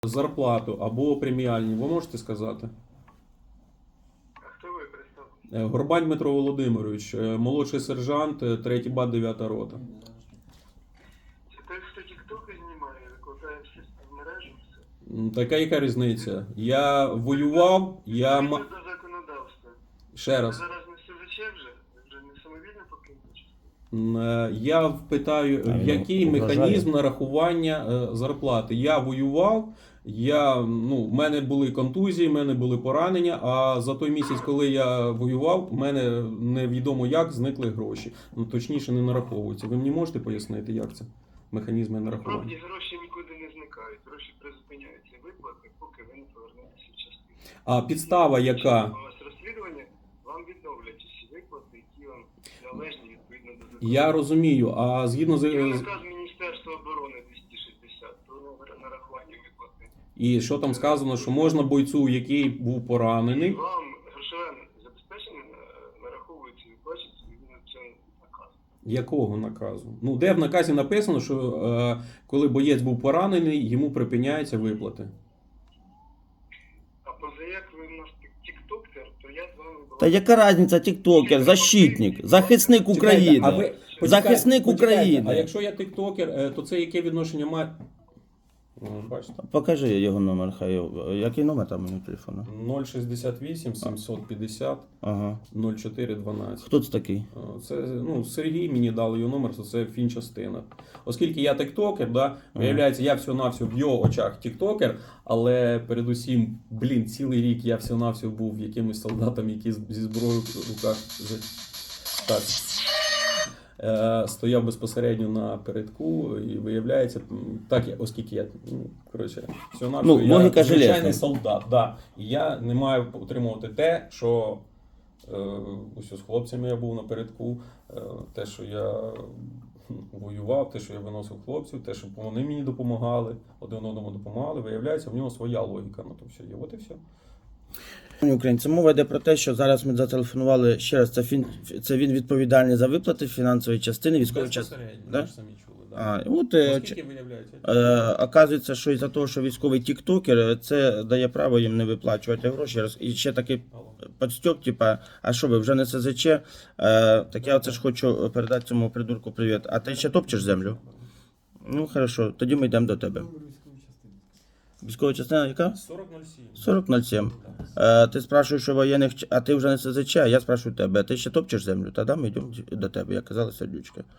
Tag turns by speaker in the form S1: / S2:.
S1: зарплату або преміальні, ви можете сказати?
S2: А хто ви представте?
S1: Горбань Дмитро Володимирович, молодший сержант, 3-й бат, 9-та рота.
S2: Це той, хто тіктоки знімає, викладає всі в мережу, все.
S1: Така яка різниця? Я воював,
S2: Відповідно до законодавства.
S1: Ще
S2: Ви
S1: раз.
S2: зараз не СЗЧ вже? Ви вже не самовільно покинули частину?
S1: Я питаю, в який механізм нарахування зарплати? Я воював, в мене були контузії, в мене були поранення, а за той місяць, коли я воював, в мене невідомо як зникли гроші. Точніше, не нараховуються. Ви мені можете пояснити, як це? Механізми нарахування?
S2: Насправді гроші нікуди не зникають. Гроші призупиняються виплати, поки ви не повернетеся в частину.
S1: А підстава яка?
S2: У вас розслідування, вам відновлять усі виплати, які вам належні відповідно до закону.
S1: Я розумію, а згідно з...
S2: Є наказ Міністерства оборони 260 про нарахування виплати.
S1: І що там сказано, що можна бойцю, який був поранений,
S2: Вам грошове забезпечення нараховується і виплачується відповідно до цього наказу.
S1: якого наказу? Ну, де в наказі написано, що коли боєць був поранений, йому припиняються виплати?
S2: А позаяк ви в нас тіктокер, то я з вами була...
S3: Та яка різниця, тіктокер, защитник, захисник України.
S1: А ви
S3: Захисник
S1: почекайте,
S3: України.
S1: А якщо я тиктокер, то це яке відношення має? Бачите?
S3: Покажи його номер, хай. Який номер там у нього телефону?
S1: 068 750
S3: Ага.
S1: 0412.
S3: Хто це такий?
S1: Це Сергій мені дали його номер, це фінчастина. Оскільки я тиктокер, да, виявляється, я всього-навсього в його очах тиктокер, але передусім, цілий рік я всього-навсього був якимось солдатом, який зі зброєю в руках так, стояв безпосередньо на передку, і виявляється, так, оскільки я, всього-навсього, я
S3: логіка
S1: звичайний
S3: железна.
S1: солдат, да, і я не маю отримувати те, що ось з хлопцями я був напередку, те, що я воював, те, що я виносив хлопців, те, що вони мені допомагали, один одному допомагали, виявляється, в нього своя логіка на то все є. От і все.
S3: Українці, мова йде про те, що зараз ми зателефонували ще раз. Це він відповідальний за виплати фінансової частини, військової частини.
S1: Безпосередньо,
S3: Да?
S1: ви ж самі чули. Да. Оскільки виявляється?
S3: Оказується, що із-за того, що військовий тіктокер, це дає право їм не виплачувати гроші. І ще такий підстьоп, типа, а що ви, вже не СЗЧ? Так я оце ж хочу передати цьому придурку привіт. А ти ще топчеш землю? Ну, хорошо, тоді ми йдемо до тебе. Військова частина яка?
S1: 4007.
S3: 4007. Ти спрашуєш, що воєнних, а ти вже не СЗЧ, а я спрашую тебе, ти ще топчеш землю? Тоді ми йдемо до тебе, як казала сердючка.